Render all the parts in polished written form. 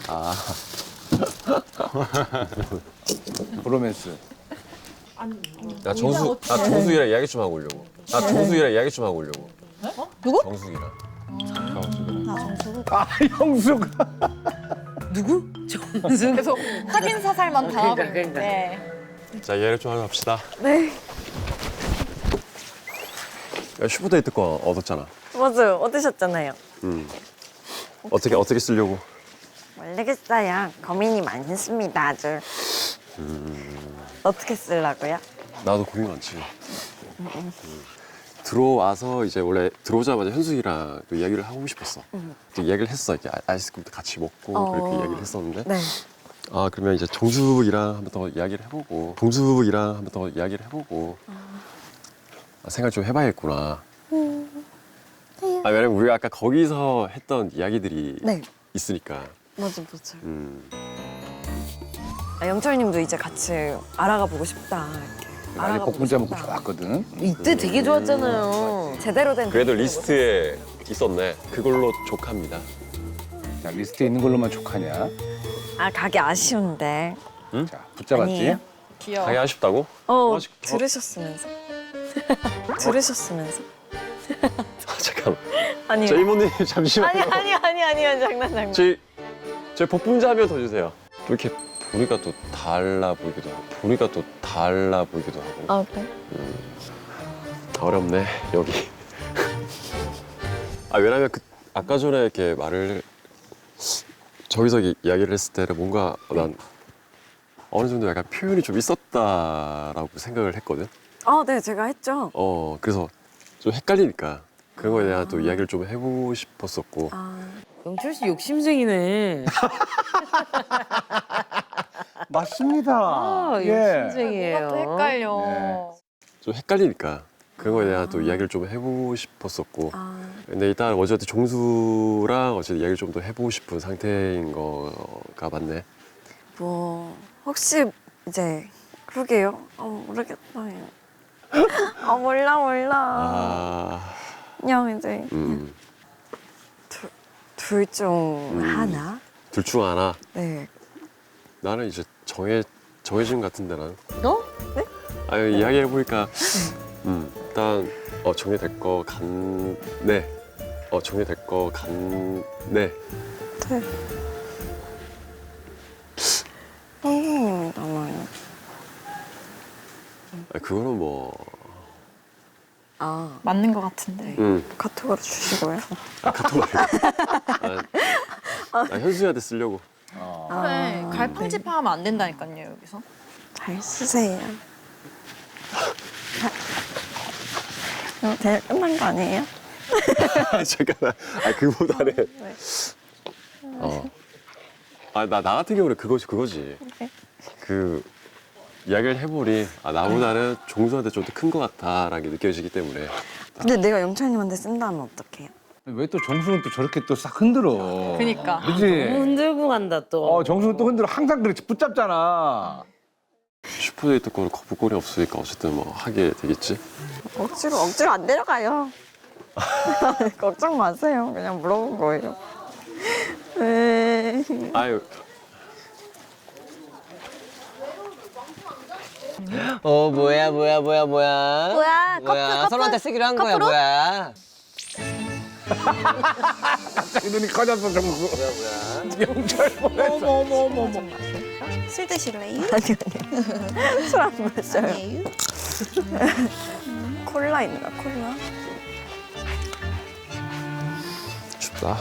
아. 브로맨스. 나 정수기랑 이야기 좀 하고 오려고. 누구? 정수기랑. 아, 형수가. 누구? 정수. 계속 확인 사살만 당하고 있는데. 자, 이야기 좀 하러 갑시다. 네. 야, 슈퍼데이트 거 얻었잖아. 맞아요. 얻으셨잖아요. 어떻게 쓰려고? 모르겠어요. 고민이 많습니다, 아주. 어떻게 쓰려고요? 나도 고민 많지. 들어와서 이제 원래 들어오자마자 현숙이랑 또 이야기를 하고 싶었어. 또 이야기를 했어. 이렇게 아이스크림도 같이 먹고 그렇게 이야기를 했었는데. 네. 아, 그러면 이제 정숙이랑 한번 더 이야기를 해보고 생각 좀 해봐야겠구나. 아, 왜냐면 우리가 아까 거기서 했던 이야기들이 네. 있으니까. 맞아. 영철님도 이제 같이 알아가 보고 싶다. 이렇게. 아니, 알아가 보고 복분자 먹고 싶다. 좋았거든. 이때 되게 좋았잖아요. 제대로 된 그래도 데이트를 리스트에 있었네. 그걸로 족합니다. 자, 리스트에 있는 걸로만 족하냐? 아, 가기 아쉬운데. 자, 붙잡았지? 아니에요? 귀여워. 가기 아쉽다고? 들으셨으면서. 들으셨으면서. 아, 잠깐만. 아니요. 저 이모님 잠시만요. 아니요. 장난. 저희 복분자 한 명 더 주세요. 또 이렇게 보니까 또 달라 보이기도 하고. 아, 그래? 어렵네 여기. 아, 왜냐면 아까 전에 이렇게 저기서 이야기를 했을 때는 뭔가 난 어느 정도 약간 표현이 좀 있었다라고 생각을 했거든. 네, 제가 했죠. 그래서 좀 헷갈리니까 그런 거에 대한 또 이야기를 좀 해보고 싶었었고. 영철 씨 욕심쟁이네. 맞습니다. 아, 욕심쟁이에요. 또 헷갈려. 네. 좀 헷갈리니까 그런 거에 대한 또 이야기를 좀 해보고 싶었었고. 근데 일단 어쨌든 종수랑 어쨌든 이야기를 좀 더 해보고 싶은 상태인 거가 맞네. 뭐 혹시 이제 그러게요. 모르겠다. 몰라. 아, 그냥 이제 둘 중 하나. 둘 중 하나. 네. 나는 이제 정해진 것 같은데 나는. 네? 아니, 이야기해 보니까 일단 정리될 거 같네. 정리될 거 같네. 네. 선생님이잖아요. 그거는 뭐. 맞는 것 같은데. 카톡으로 주시고요. 카톡 말고. 나 현수한테 쓰려고. 그래, 갈팡질팡하면 안 된다니까요, 여기서. 잘 쓰세요. 대회 끝난 거 아니에요? 잠깐만. 그보다는. 네. 나 같은 경우는 그거지. 네. 이야기를 해보니 나보다는 종수한테 좀 더 큰 것 같다라는 게 느껴지기 때문에. 근데 내가 영철님한테 쓴다면 어떡해요? 왜 또 정수는 또 저렇게 또 싹 흔들어? 그니까. 그지? 흔들고 간다 또. 정수는 또 흔들어. 항상 그렇지. 붙잡잖아. 슈퍼데이트 거는 거부권이 없으니까 어쨌든 뭐 하게 되겠지. 억지로 안 데려가요. 걱정 마세요. 그냥 물어본 거예요. 아유. 뭐야. 뭐야? 커플, 서로한테 쓰기로 한 거야, 뭐야. 갑자기 눈이 커졌어, 정수. 영철 보냈어. 어머. 술 드실래요? 아니요. 술 안 마셔요. 아니에요? 콜라 있나? 콜라? 춥다.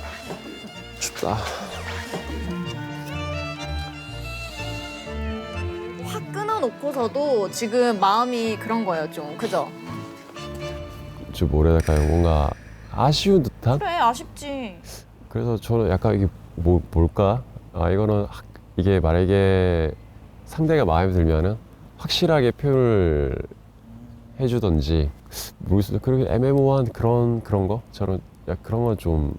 확 끊어놓고서도 지금 마음이 그런 거예요, 좀. 그죠? 좀 뭐랄까요, 뭔가 아쉬운 듯한? 그래, 아쉽지. 그래서 저는 약간 이게 뭘까? 이거는 이게 만약에 상대가 마음에 들면은 확실하게 표현을 해주던지 모르겠어요. 그렇게 애매모호한 그런 거? 저는 그런 건 좀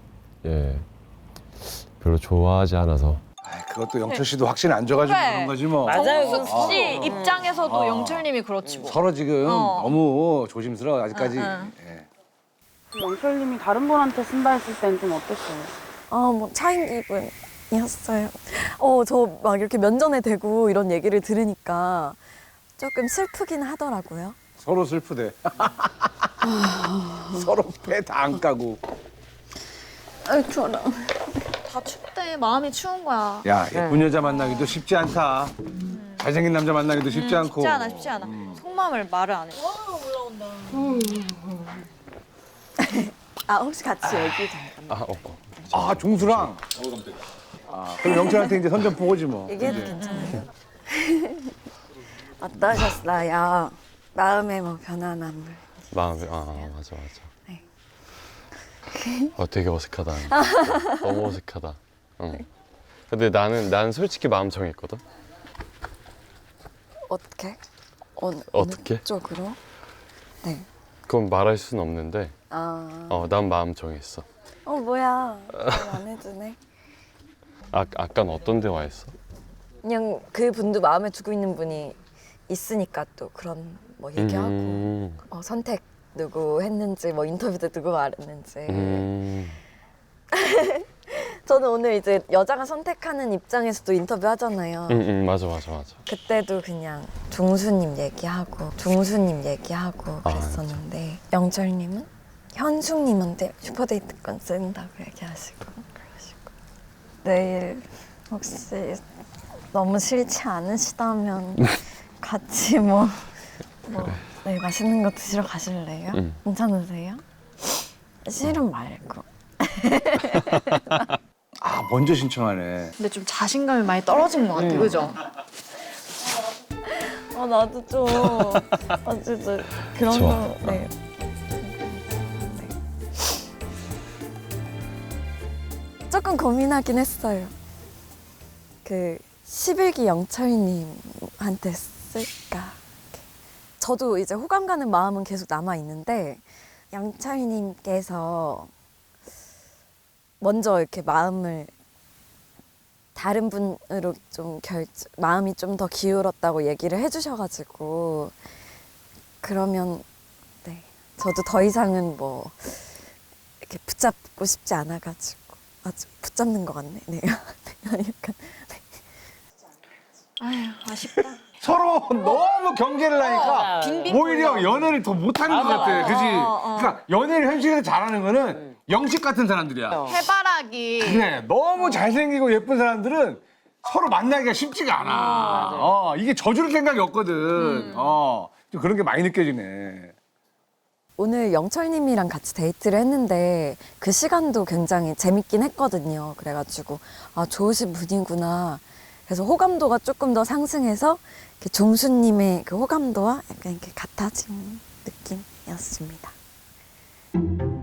별로 좋아하지 않아서. 그것도 영철 씨도 확신이 안 줘가지고 그래. 그런 거지 뭐. 맞아요. 정숙 씨 입장에서도 영철님이 그렇지 뭐. 서로 지금 너무 조심스러워 아직까지. 응. 예. 영철님이 다른 분한테 쓴다 했을 땐 좀 어땠어요? 뭐 차인 기분. 이었어요. 저 막 이렇게 면전에 대고 이런 얘기를 들으니까 조금 슬프긴 하더라고요. 서로 슬프대. 서로 배 다 안 까고. 아이, 추워라. 다 춥대. 마음이 추운 거야. 야, 예쁜 여자 만나기도 쉽지 않다. 잘생긴 남자 만나기도 쉽지 않고. 쉽지 않아, 쉽지 않아. 속마음을 말을 안 해. 혹시 같이 얘기 잠깐만. 아, 종수랑. 그럼 영철한테 이제 선전 보고지 뭐. 얘기해도 괜찮아요? 어떠셨어요? 마음의 뭐 변화남을. 마음이 맞아. 네. 되게 어색하다. 너무 어색하다. 근데 나는 솔직히 마음 정했거든. 어떻게? 어떻게? 어느 쪽으로? 네. 그건 말할 수는 없는데. 난 마음 정했어. 뭐야. 안 해주네. 아까는 어떤 대화했어? 그냥 그 분도 마음에 두고 있는 분이 있으니까 또 그런 뭐 얘기하고 선택 누구 했는지 뭐 인터뷰 때 누구 말했는지 저는 오늘 이제 여자가 선택하는 입장에서도 인터뷰 하잖아요. 맞아. 그때도 그냥 종수님 얘기하고 그랬었는데 영철님은 현숙님한테 슈퍼데이트권 쓴다고 얘기하시고 그러시고 내일 혹시 너무 싫지 않으시다면 같이 네, 맛있는 거 드시러 가실래요? 괜찮으세요? 싫은 말고. 아, 먼저 신청하네. 근데 좀 자신감이 많이 떨어진 것 같아, 그죠? 나도 좀 진짜 그런 좋아. 거. 네. 조금 고민하긴 했어요. 그 11기 영철님한테 쓸까? 저도 이제 호감 가는 마음은 계속 남아 있는데 영철님께서 먼저 이렇게 마음을 다른 분으로 좀 마음이 좀 더 기울었다고 얘기를 해주셔가지고 그러면 네 저도 더 이상은 뭐 이렇게 붙잡고 싶지 않아가지고 아주 붙잡는 것 같네. 네. 약간 아휴, 아쉽다. 서로 너무 경계를 하니까 빙빙 오히려 돌려. 연애를 더 못하는 것 같아. 그지? 그러니까 연애를 현실에서 잘하는 거는 영식 같은 사람들이야. 해바라기. 그래, 너무 잘생기고 예쁜 사람들은 서로 만나기가 쉽지가 않아. 이게 져줄 생각이 없거든. 좀 그런 게 많이 느껴지네. 오늘 영철님이랑 같이 데이트를 했는데 그 시간도 굉장히 재밌긴 했거든요. 그래가지고 좋으신 분이구나. 그래서 호감도가 조금 더 상승해서 이렇게 종수님의 그 호감도와 약간 이렇게 같아진 느낌이었습니다.